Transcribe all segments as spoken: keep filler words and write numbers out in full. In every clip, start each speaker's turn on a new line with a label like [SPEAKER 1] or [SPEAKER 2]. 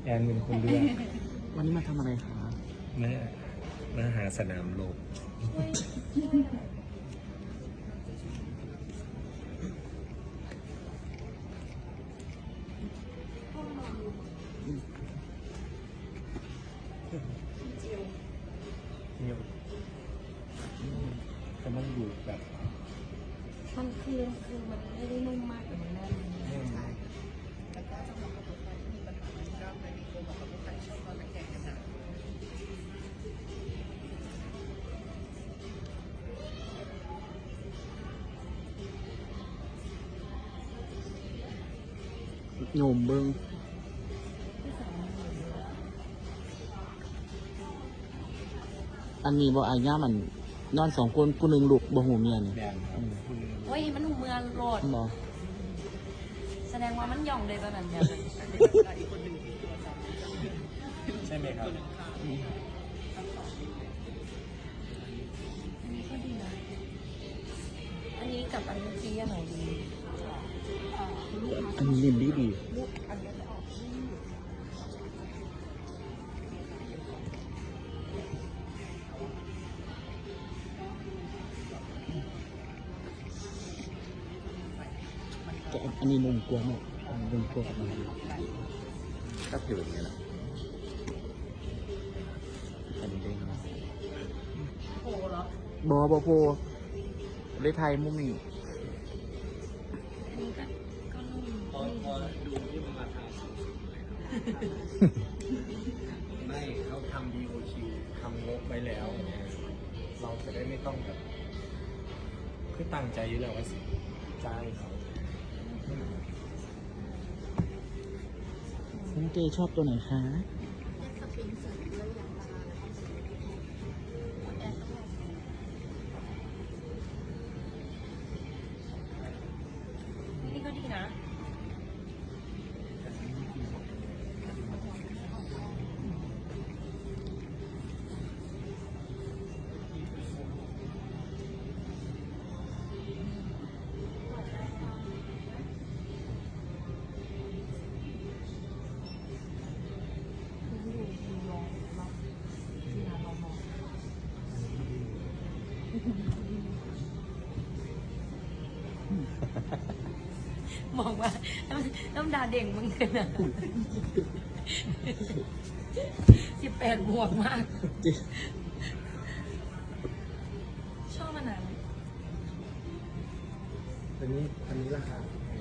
[SPEAKER 1] อนเป็นคนเลือก
[SPEAKER 2] วันนี้มาทำอะไรคะ
[SPEAKER 1] มามาหาสนามโลกเนี่ยแต่มันอยู่แบบ
[SPEAKER 3] มันคือคือมันไม่ได้นุ่มมากแต่มันแน่นใช่แต่ก็สำหรับคนไทยที่มีปัญหามันก็ไม่ดีตัวกับคนไทยชอบตอนแก่กันนะ
[SPEAKER 2] โยมเบิ้งอันนี้บ่อาญามันนอนสองคนกูหนึ่งลูกบ่หูเมียนี่
[SPEAKER 1] แบนครับ
[SPEAKER 3] โอ้ยมันหูเมืองโลด
[SPEAKER 2] บ่
[SPEAKER 3] แสดงว่ามันย่องเลยตอนนั้นเนี่ย
[SPEAKER 1] ใช่ไหมครับ
[SPEAKER 3] อันนี้ก็ดีนะอันนี้กับอันเมื่อกี้อันไหนดี
[SPEAKER 2] อันนี้เล่นดีดี
[SPEAKER 3] ลูกอันนี้จะออกที่
[SPEAKER 2] แต่อันนี้นุ่มกว่าเนาะอันนี้นุ่มกว่ามัน
[SPEAKER 1] ก็ผิวอย่างนี้แหละ
[SPEAKER 2] อันนี้เด้งเนาะ
[SPEAKER 3] โอ้เหรอ
[SPEAKER 2] บ่บ่โพเลยไทยมุมนี้
[SPEAKER 3] อันนี้ก็ก็นุ่ม
[SPEAKER 1] พอพอดูที่มันมาทำไม่เขาทำ ดี โอ คิว ทำงบไว้แล้วเนี่ยเราจะได้ไม่ต้องแบบคือตั้งใจอยู่แล้วว่าสิจ้างเขา
[SPEAKER 2] น้องเจชอบตัวไหนคะ
[SPEAKER 3] นี่ก็ดีนะมองว่าน้ำดาเด่งมึงเลยนะสิบแปดบวกมาก ชอบมันนั้น
[SPEAKER 1] อันนี้อันนี้ราคา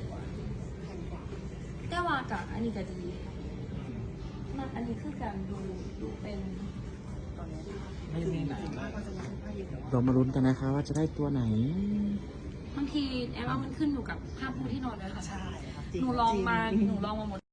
[SPEAKER 3] แต่ว่ากับอันนี้ก็ดีมากอันนี้คือการดูดูเป็นตอนนี้
[SPEAKER 1] ไม่ไม่หนา
[SPEAKER 2] เรามาลุ้นกันนะคะว่าจะได้ตัวไหน
[SPEAKER 3] บางทีแอปว่ามันขึ้นอยู่กับผ้าปูที่นอนด้วยค่ะใช่หนูลองมาหนูลองมาหมด